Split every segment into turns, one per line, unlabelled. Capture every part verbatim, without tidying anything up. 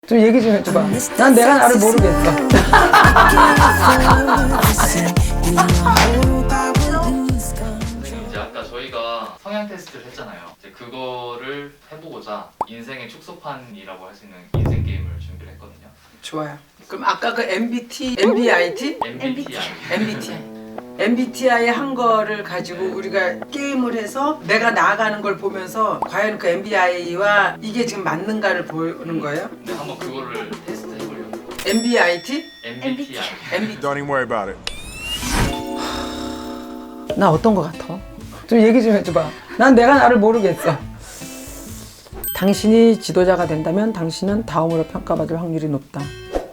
좀 얘기 좀 해줘봐. 난 내가 나를 모르겠어.
이제 아까 저희가 성향 테스트를 했잖아요. 이제 그거를 해보고자 인생의 축소판이라고 할 수 있는 인생 게임을 준비를 했거든요.
좋아요. 그럼 아까 그 엠비티, 엠비아이티?
엠비티아이.
엠비티아이. 엠비티아이 한 거를 가지고 우리가 게임을 해서 내가 나아가는 걸 보면서 과연 그 엠비아이와 이게 지금 맞는가를 보는 거예요?
네, 한번 그거를 테스트 해보려고.
엠비아이티?
엠비티아이.
엠비티.
Don't even worry about it.
나 어떤 거 같아? 좀 얘기 좀 해줘봐. 난 내가 나를 모르겠어. 당신이 지도자가 된다면 당신은 다음으로 평가받을 확률이 높다.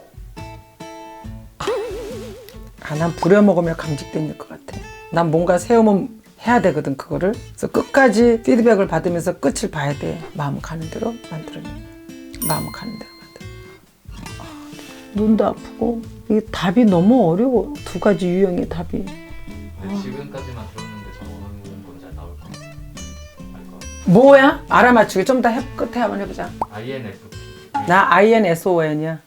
아, 난 부려먹으며 감직된 것 같아. 난 뭔가 세우면 해야 되거든, 그거를. 그래서 끝까지 피드백을 받으면서 끝을 봐야 돼. 마음 가는 대로 만들어내. 마음 가는 대로 만들어. 아, 눈도 아프고. 이게 답이 너무 어려워. 두 가지 유형의 답이.
네, 지금까지만 들었는데 저 어느 건지 나올 것 같아요. 알 것 같아요.
뭐야? 알아맞추기. 좀 더 끝에 한번 해보자.
아이엔에프피.
나 아이엔에스오엔이야.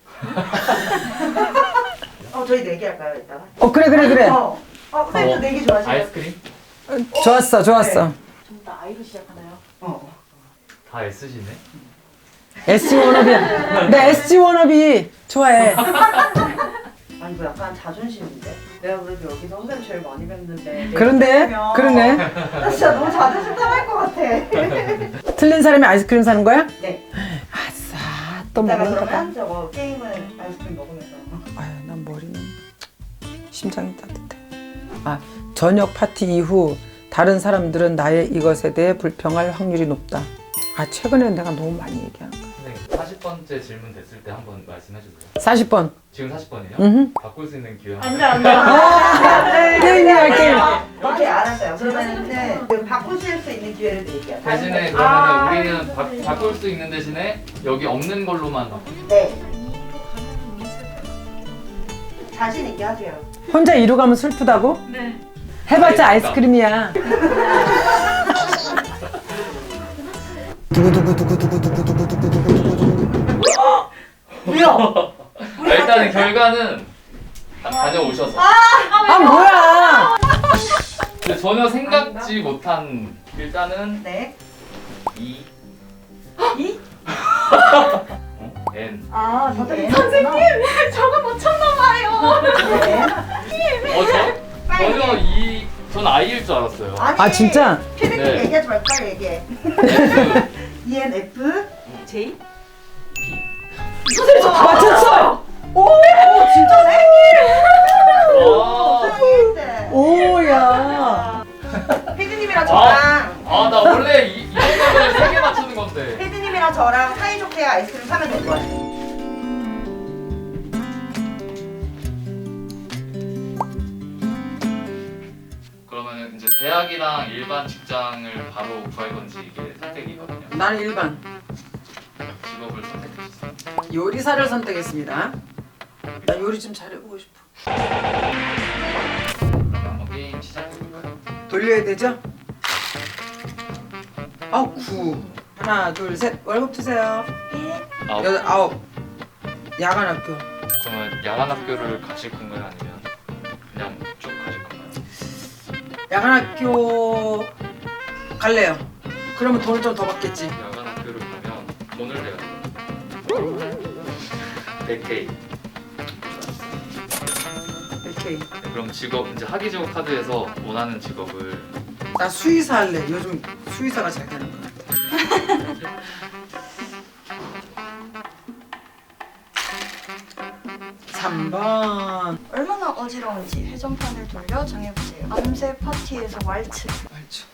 어, 저희 내기 할까요, 이따가?
어, 그래, 그래, 그래.
어, 어, 선생님도
어,
내기 좋아하시나요?
아이스크림?
좋았어, 좋았어.
전부 다 아이로 시작하나요? 어.
다 S시네?
에스지 워너비야. 나 에스지 워너비 좋아해.
아니, 뭐 약간 자존심인데? 내가 그래도 여기서 선생님 제일 많이 뵀는데.
그런데, 그러네.
나 진짜 너무 자존심 상할 것 같아.
틀린 사람이 아이스크림 사는 거야?
네.
아싸, 또
내가
먹는 거다.
그러면 저거 게임은 아이스크림 먹으면서.
아유, 난 머리는 심장이 따뜻해. 아, 저녁 파티 이후 다른 사람들은 나의 이것에 대해 불평할 확률이 높다. 아, 최근에 내가 너무 많이 얘기하는 거야.
선생님, 사십 번째 질문 됐을 때 한번 말씀해주세요.
사십 번.
지금 사십 번이에요?
음.
바꿀 수 있는 기회
안 돼, 안 돼.
게임이야, 게임.
오케이, 알았어요. 그러면은 그 바꾸실 수 있는 기회를 드릴게요.
대신에
아,
그러면 우리는 바, 바꿀 수 있는 대신에 여기 없는 걸로만 바꿔.
네. 자신 있게 하세요.
혼자 이루 가면 슬프다고? 네. 해봤자 아이스크림이야.
뭐야?
아, 일단은 결과는 다 다녀오셔서.
아, 뭐야?
근데 전혀 생각지 못한 일단은
네.
이
이?
어? N.
아, 다들
선생님, 저거 못 쳤나봐요.
네.
어, 저, 전혀 이, 전 I일 줄 알았어요.
아니,
아, 진짜?
피디님
네.
얘기하지 말고 빨리 얘기해.
F.
E N F
J?
맞췄어!
오, 진짜네?
아,
수영일대.
오야.
피디님이랑 저랑
아, 나 원래 이, 이런 거를 세 개 맞추는 건데.
피디님이랑 저랑 사이좋게 아이스크림 사면 될 것 같아요.
그러면 이제 대학이랑 일반 직장을 바로 구할 건지 이게 선택이거든요.
나는 일반.
직업을 선택해주세요.
요리사를 선택했습니다. 나 요리 좀 잘해보고 싶어.
그럼 한번 게임 시작해볼까요?
돌려야 되죠? 아, 구. 하나, 둘, 셋. 월급 주세요.
아홉.
여덟, 아홉. 야간 학교.
그러면 야간 학교를 가실 건가요? 아니면 그냥 쭉 가실 건가요?
야간 학교 갈래요. 그러면 돈을 좀 더 받겠지.
야간 학교를 가면 돈을 내야 돼요. 백 케이.
오케이.
네, 그럼 직업 이제 하기직업 카드에서 원하는 직업을
나 수의사 할래. 요즘 수의사가 잘 되는 것 같아. 삼 번.
얼마나 어지러운지 회전판을 돌려 정해보세요. 밤새 파티에서 왈츠.
알죠.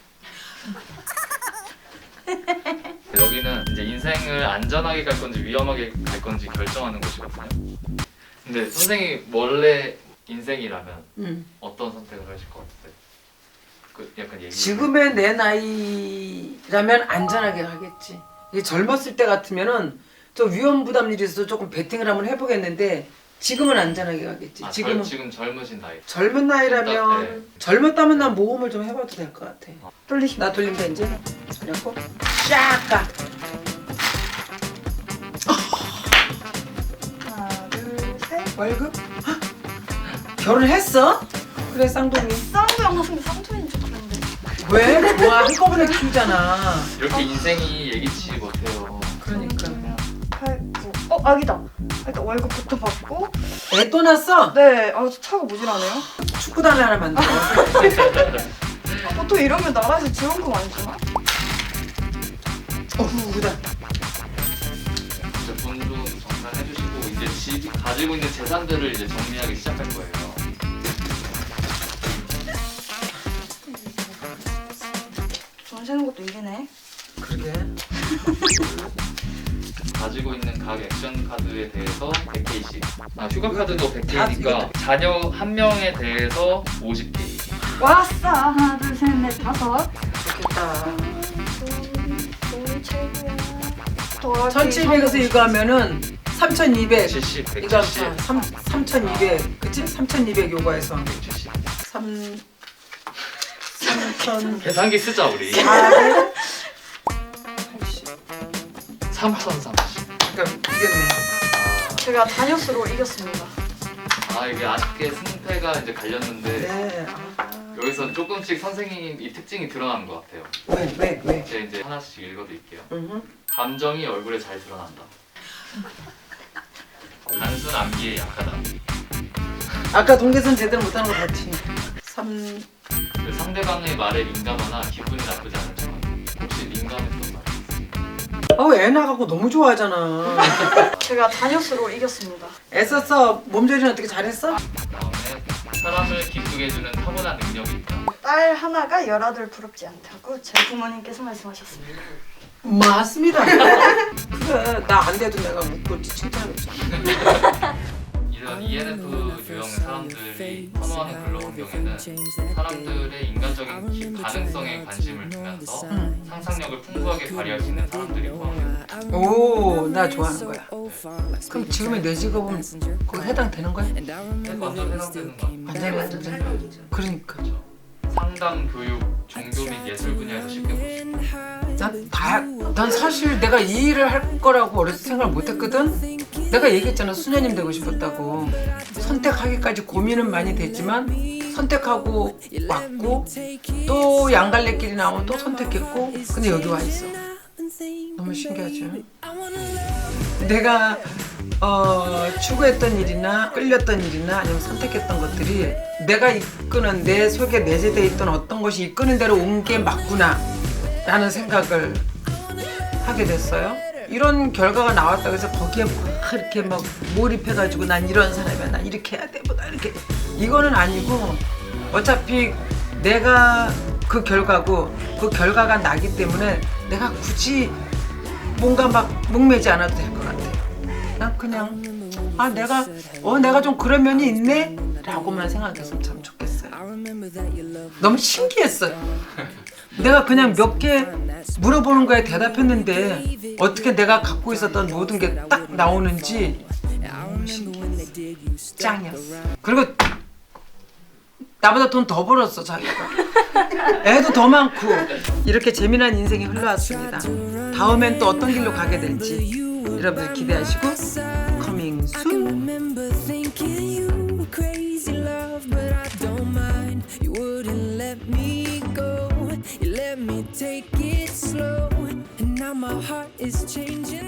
여기는 이제 인생을 안전하게 갈 건지 위험하게 갈 건지 결정하는 곳이거든요. 근데 선생님 원래 인생이라면
응.
어떤 선택을 하실 것 같아요? 그 약간 얘기.
지금의 내 나이라면 안전하게 가겠지. 이게 젊었을 때 같으면은 좀 위험 부담일이 있어서 조금 베팅을 한번 해보겠는데 지금은 안전하게 가겠지.
아,
지금은
지금 젊으신 나이.
젊은 나이라면
네.
젊었다면 난 모험을 좀 해봐도 될 것 같아.
어.
돌리. 나 돌린다 이제. 그래갖고 쫙 가. 월급? 헉! 결혼했어? 그래 쌍둥이.
쌍둥이 하는데 쌍둥이인 줄 알았는데.
왜? 좋아 한꺼번에 키우잖아.
이렇게 인생이 예기치 못해요.
그러니까.
팔, 구. 어 아기다. 일단 월급부터 받고.
애 또 낳았어?
네. 아 차가 모질하네요.
축구단 하나 만들어.
아, 보통 이러면 나라에서 지원금 안 주나?
어후다.
이제 돈좀 정산해주시고 이제 집 가지고 있는 재산들을 이제 정리하기 시작할 거예요.
돈 세는 것도 일이네.
그러게.
가지고 있는 각 액션 카드에 대해서 백 개씩. 아 휴가 카드도 백
다
개니까 자녀 한 명에 대해서 오십 개.
왔어. 하나 둘 셋 넷 다섯.
좋겠다.
돈이 최고야. 더하기
천칠백에서 이거 하면은 삼천이백.
칠십,
이거
백칠십,
삼 삼천이백. 그치? 삼천이백 요거에서
백칠십.
삼 삼천
계산기 쓰자 우리.
사백.
삼천삼십.
그러니까 이겼네.
제가 단역수로 이겼습니다.
아 이게 아쉽게 승패가 이제 갈렸는데
네. 아,
여기서 조금씩 선생님 이 특징이 드러나는 것 같아요.
왜 왜 왜?
제가 이제 하나씩 읽어드릴게요.
음.
감정이 얼굴에 잘 드러난다. 단순 암기에 약하다.
아까 동계선 제대로 못하는 거 봤지. 삼.
그 상대방의 말에 민감하나 기분이 나쁘지 않은 척. 혹시 민감했던 말?
어우 애 나가고 너무 좋아하잖아.
제가 단역수로 이겼습니다.
애썼어. 몸조리는 어떻게 잘했어?
다음에 사람을 기쁘게 해주는 타고난 능력이 있다.
딸 하나가 열아들 부럽지 않다고 제 부모님께서 말씀하셨습니다.
맞습니다. 그래 나 안 돼도 내가 묻고 칭찬해줬잖아.
이런 이엔에프 유형 사람들이 선호하는 근로 환경에는 사람들의 인간적인 기- 가능성에 관심을 두면서
응.
상상력을 풍부하게 발휘할 수 있는 사람들이 포함돼요.
오, 나 좋아하는 거야. 그럼 지금의 내 직업은 그거 해당되는 거야?
완전 해당되는 거.
완전히 완전. 그러니까.
상담, 교육, 종교 및 예술 분야에서 쉽게 볼 수 있다.
난 다, 난 사실 내가 이 일을 할 거라고 어렸을 때 생각을 못 했거든? 내가 얘기했잖아, 수녀님 되고 싶었다고. 선택하기까지 고민은 많이 됐지만, 선택하고 왔고, 또 양갈래길이 나오면 또 선택했고, 근데 여기 와 있어. 너무 신기하죠? 내가, 어, 추구했던 일이나 끌렸던 일이나 아니면 선택했던 것들이 내가 이끄는 내 속에 내재되어 있던 어떤 것이 이끄는 대로 온 게 맞구나 라는 생각을 하게 됐어요. 이런 결과가 나왔다고 해서 거기에 막 이렇게 막 몰입해가지고 난 이런 사람이야, 난 이렇게 해야 돼, 뭐다 이렇게 이거는 아니고 어차피 내가 그 결과고 그 결과가 나기 때문에 내가 굳이 뭔가 막 목매지 않아도 될 것 같아. 난 그냥 아 내가 어 내가 좀 그런 면이 있네 라고만 생각했으면 참 좋겠어요. 너무 신기했어요. 내가 그냥 몇 개 물어보는 거에 대답했는데 어떻게 내가 갖고 있었던 모든 게 딱 나오는지 너무 신기했어. 짱이었어. 그리고 나보다 돈 더 벌었어 자기가. 애도 더 많고 이렇게 재미난 인생이 흘러왔습니다. 다음엔 또 어떤 길로 가게 될지 여러분들 기대하시고 커밍 순.
Take it slow, and now my heart is changing.